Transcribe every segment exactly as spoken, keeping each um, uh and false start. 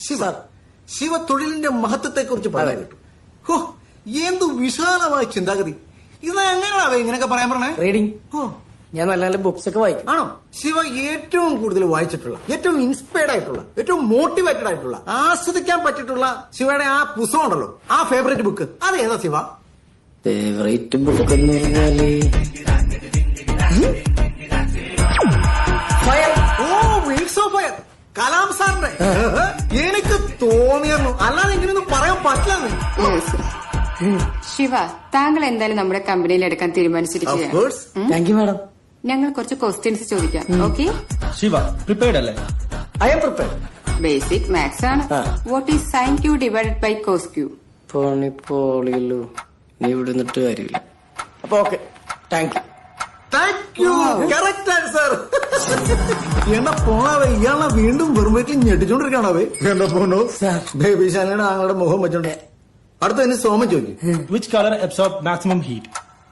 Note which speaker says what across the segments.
Speaker 1: ശിവ ശിവ തൊഴിലിന്റെ മഹത്വത്തെ കുറിച്ച് പറയാൻ കേട്ടു. ഹോ, എന്തു വിശാലമായ ചിന്താഗതി. ഇത് എങ്ങനെയാവേ ഇങ്ങനെയൊക്കെ പറയാൻ പറഞ്ഞേ?
Speaker 2: റീഡിങ്.
Speaker 1: ഓ,
Speaker 2: ഞാൻ നല്ല നല്ല ബുക്സ് ഒക്കെ വായിക്കും.
Speaker 1: ആണോ? ശിവ ഏറ്റവും കൂടുതൽ വായിച്ചിട്ടുള്ള, ഏറ്റവും ഇൻസ്പയർഡ് ആയിട്ടുള്ള, ഏറ്റവും മോട്ടിവേറ്റഡ് ആയിട്ടുള്ള, ആസ്വദിക്കാൻ പറ്റിയിട്ടുള്ള ശിവയുടെ ആ പുസ്തകം ഉണ്ടല്ലോ, ആ ഫേവറേറ്റ് ബുക്ക്, അത് ഏതാ ശിവ?
Speaker 2: ഫേവറേറ്റ് ബുക്ക് എന്ന് പറഞ്ഞാല് ഫയർ.
Speaker 1: ഓ, വിങ്സ് ഓഫ് ഫയർ, കലാം സാറിന്റെ. എനിക്ക് തോന്നിയിരുന്നു, അല്ലാതെ ഇങ്ങനെയൊന്നും പറയാൻ പറ്റില്ലെന്ന്.
Speaker 3: ശിവ, താങ്കൾ എന്തായാലും നമ്മുടെ കമ്പനിയിൽ എടുക്കാൻ തീരുമാനിച്ചിരിക്കുകയാണ്.
Speaker 2: Thank you madam.
Speaker 3: ഞങ്ങൾ കുറച്ച് ക്വസ്റ്റ്യൻസ് ചോദിക്കാം. ഓക്കെ?
Speaker 4: ശിവ പ്രിപ്പയർഡ് അല്ലേ?
Speaker 2: I'm prepared.
Speaker 3: Basic maths ആണ്. What is sine Q divided by cos Q?
Speaker 2: പോണിപ്പോളിയല്ലോ, നീ ഇവിടെ നിന്നിട്ട് കാര്യമില്ല. അപ്പൊ okay, thank you.
Speaker 1: Thank you. Correct answer. എന്നാ പോണാവേ, ഇയാളെ വീണ്ടും വെറും വീട്ടിൽ ഞെട്ടിച്ചോണ്ടിരിക്കണാവേ. എന്താ പോണോ ബേബി ശാലയുടെ ആങ്ങളുടെ മുഖം വെച്ചോണ്ടേ. അടുത്ത തന്നെ സോമൻ ചോദിക്കും.
Speaker 4: Which color absorb maximum heat?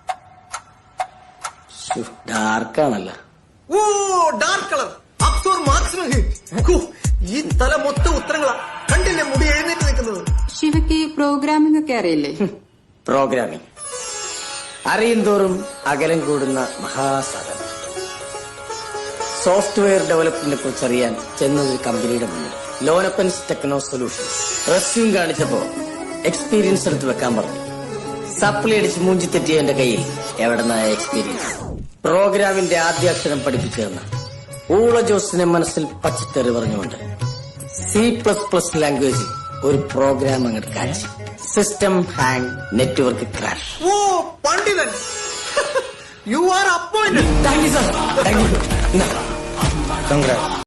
Speaker 2: ഡാർക്കാണല്ലോ.
Speaker 1: ഓ, dark colour absorb maximum heat. ഈ തല മൊത്തം ഉത്തരങ്ങളാ. കണ്ടില്ലേ മുടി എഴുന്നേറ്റ് നിൽക്കുന്നത്?
Speaker 3: ശിവയ്ക്ക് പ്രോഗ്രാമിംഗ് ഒക്കെ അറിയില്ലേ?
Speaker 2: പ്രോഗ്രാമിംഗ് അറിയും തോറും അകലം കൂടുന്ന മഹാസാധനം. സോഫ്റ്റ്വെയർ ഡെവലപ്മെന്റിനെ കുറിച്ച് അറിയാൻ ചെന്നൊരു കമ്പനിയുടെ മുന്നിൽ ലോനപ്പൻസ് ടെക്നോ സൊല്യൂഷൻസ് റെസ്യൂം കാണിച്ചപ്പോ എക്സ്പീരിയൻസ് എടുത്ത് വെക്കാൻ പറഞ്ഞു. സപ്ലി അടിച്ച് മൂഞ്ചി തെറ്റിയ എന്റെ കയ്യിൽ എവിടെന്നായ എക്സ്പീരിയൻസ്. പ്രോഗ്രാമിന്റെ ആദ്യ അക്ഷരം പഠിപ്പിച്ചു തന്ന ഊള ജോസിനെ മനസ്സിൽ പച്ചക്കറി പറഞ്ഞുകൊണ്ട് സി പ്ലസ് പ്ലസ് ലാംഗ്വേജിൽ ഒരു പ്രോഗ്രാം അങ്ങോട്ട് കാച്ചി. System hang, network crash.
Speaker 1: ഓ, പണ്ഡിതൻ. You are appointed.
Speaker 2: Thank you sir. Thank you.
Speaker 4: Congrats.